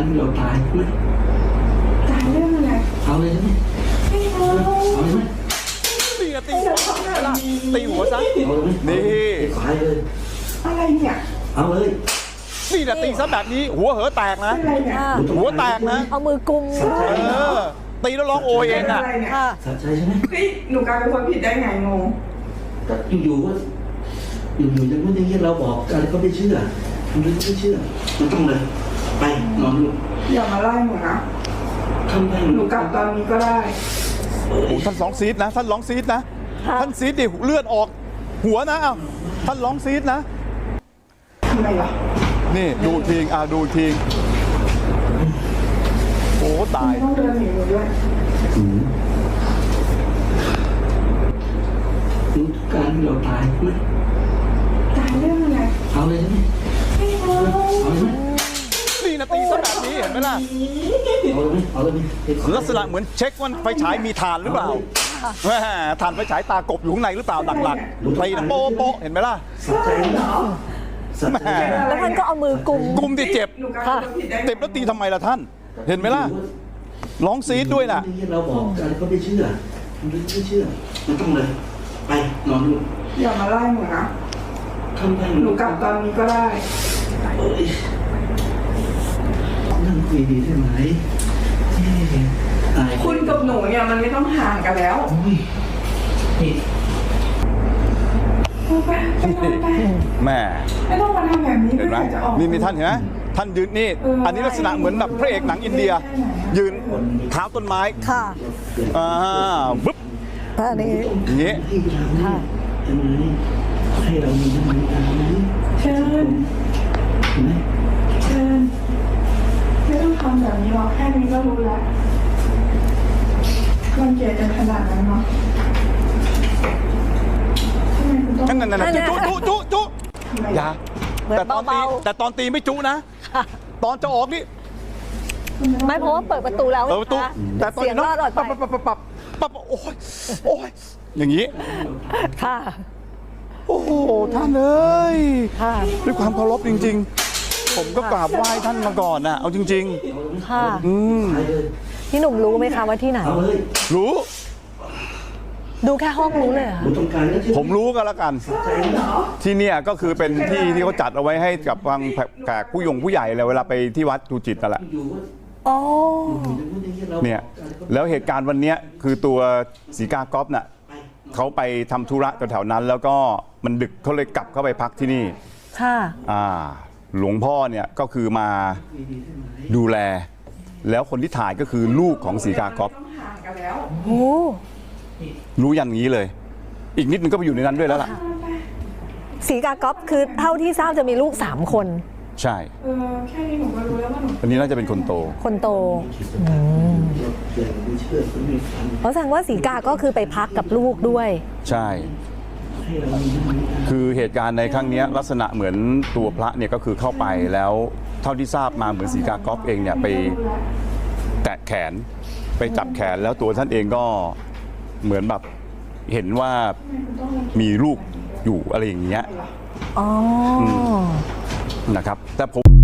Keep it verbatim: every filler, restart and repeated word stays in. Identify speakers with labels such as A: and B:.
A: เราตายไหม
B: ตายเรื่องอะไร
A: เอาเลยใช่ไหม
B: ไม่เอา
A: เอาเลยไหม
C: ตีอะตีหัวล่ะตีหัวซะ
A: เอาเลยไหม
C: นี่
A: ตายเลย
B: อะไรเนี่ย
A: เอาเลย
C: นี่นะตีซะแบบนี้หัวเหอแตกนะ
B: อะไรเนี่ย
C: หัวแตกนะ
D: เอามือกุม
C: เออตีแล้วร้องโอยเองอ่ะ
D: ค่ะ
A: สัจใจใช่ไหม
B: เฮ้ยหนูกลายเป็นคนผิดได้ไงงง
A: ก็อยู่ๆว่าอยู่ๆยังไม่ได้ยินเราบอกอะไรก็ไม่เชื่อมันไม่เชื่อมันต้องเลยไปนอนลูก
B: อย่ามาไล่หนูนะ
A: ทำไม
B: หนูกลับตอนนี้ก็ได้
C: โอ้ท่านร้องซีดนะท่านร้องซีดนะท่านซีดดิเลือดออกหัวนะอ้าวท่านร้องซีดนะ
B: ทำไมล่ะ
C: นี่ดูทีงอ่าดูทีงโอ้ตาย
B: ต้องเดินหนีหนูด้วย
A: รู้ทุกการที่เราตายไหม
B: ตายเรื่องอะไร
A: เอาเลยใช่ไหม
B: ไม่เอา
A: เอาเลยไหม
C: นี่นะตีซะแบบนี้เห็นไหมล่ะ
A: เอาเลยไหมเอาเลยไหม
C: ลักษณะเหมือนเช็คว่าไฟฉายมีฐานหรือเปล่าฐานไฟฉายตากบอยู่ข้างในหรือเปล่าหลักๆตีนะโป๊ะโป๊ะเห็นไหมล่ะ
A: สัจใจเหรอ
C: แหม
D: แล้วท่านก็เอามือกุม
C: กุมที่เจ็บเจ็บแล้วตีทำไมล่ะท่านเห็นไหมล่ะร้องซีดด้วยน่ะ
A: เราบอกอะไรก็ไม่เชื่อมันไม่เชื่อมันต้องเลยไปนอนลูก
B: อย่ามาไล่หนูนะ
A: ทำไม
B: หนูกลับตอนนี้ก็ได้
A: นั่งคุยดีใช่ไหม
B: คุณกับหนูเนี่ยมันไม่ต้องห่างกันแล้วไปไปไป
C: แม่
B: ไม่ต้องมาทำแบบนี้
C: เห็นไหมนี่นี่ท่านเห็นไหมท่านยืนนี่อันนี้ลักษณะเหมือนแบบพระเอกหนังอินเดียยืนเท้าต้นไม้
D: ค่ะ
C: อ่าบึ๊บ
D: อันนี้
C: อย่างนี้
D: ค่ะ
A: ให้เรามีน้ำมันตาไหม
B: เชิญ
A: เห็นไหม
B: เชิญไม่ต้องทำแบบนี้หรอกแค่นี้ก็รู้แล้วมันเกลียดกันขนาดนั้นเนาะ
C: นั่นนั่นนั่นจุจุจุจุอย่าแต่ตอนตีแต่ตอนตีไม่จุนะตอนจะออกนี่
D: ไม่เพราะว่าเปิดประตูแล้ว
C: ประตูแต่ตอนนี้ปั๊บปั๊บปั๊บปั๊บปั๊บโอ้ยโอ้ยอย่างนี้
D: ค่ะ
C: โอ้โหท่านเอ้ยด้วยความเคารพจริงๆผมก็กราบไหว้ท่านมาก่อนนะเอาจริง
D: ๆค่ะ
C: อืม
D: พี่หนุ่มรู้ไหมคะว่าที่ไหน
C: รู้
D: ดูแค่ห้องรู้เลยอะ
C: ผมรู้ก็แล้วกันที่เนี่ยก็คือเป็นที่ที่เขาจัดเอาไว้ให้กับทางแขกผู้ยงผู้ใหญ่เลยเวลาไปที่วัดดูจิตนั่นแหละ
D: อ๋อ
C: เนี่ยแล้วเหตุการณ์วันนี้คือตัวศรีกากอฟน่ะเขาไปทำธุระแถวๆนั้นแล้วก็มันดึกเขาเลยกลับเข้าไปพักที่นี่
D: ค่ะ
C: อ่าหลวงพ่อเนี่ยก็คือมาดูแลแล้วคนที่ถ่ายก็คือลูกของศรีกากอฟ
D: โอ้
C: รู้อย่างนี้เลยอีกนิดนึงก็ไปอยู่ในนั้นด้วยแล้วล่ะ
D: ศรีกากอฟคือเท่าที่ทราบจะมีลูกสามคน
C: ใช่
B: เออแค่นี้หนูก็รู้แล้วว่าหนู
C: อันนี้น่าจะเป็นคนโต
D: คนโตเพราะแสดงว่าศรีกาก็คือไปพักกับลูกด้วย
C: ใช่คือเหตุการณ์ในครั้งนี้ลักษณะเหมือนตัวพระเนี่ยก็คือเข้าไปแล้วเท่าที่ทราบมาเหมือนศรีกากอฟเองเนี่ยไปแตะแขนไปจับแขนแล้วตัวท่านเองก็เหมือนแบบเห็นว่ามีลูกอยู่อะไรอย่างเงี้ย
D: อ๋อ
C: นะครับแต่ผม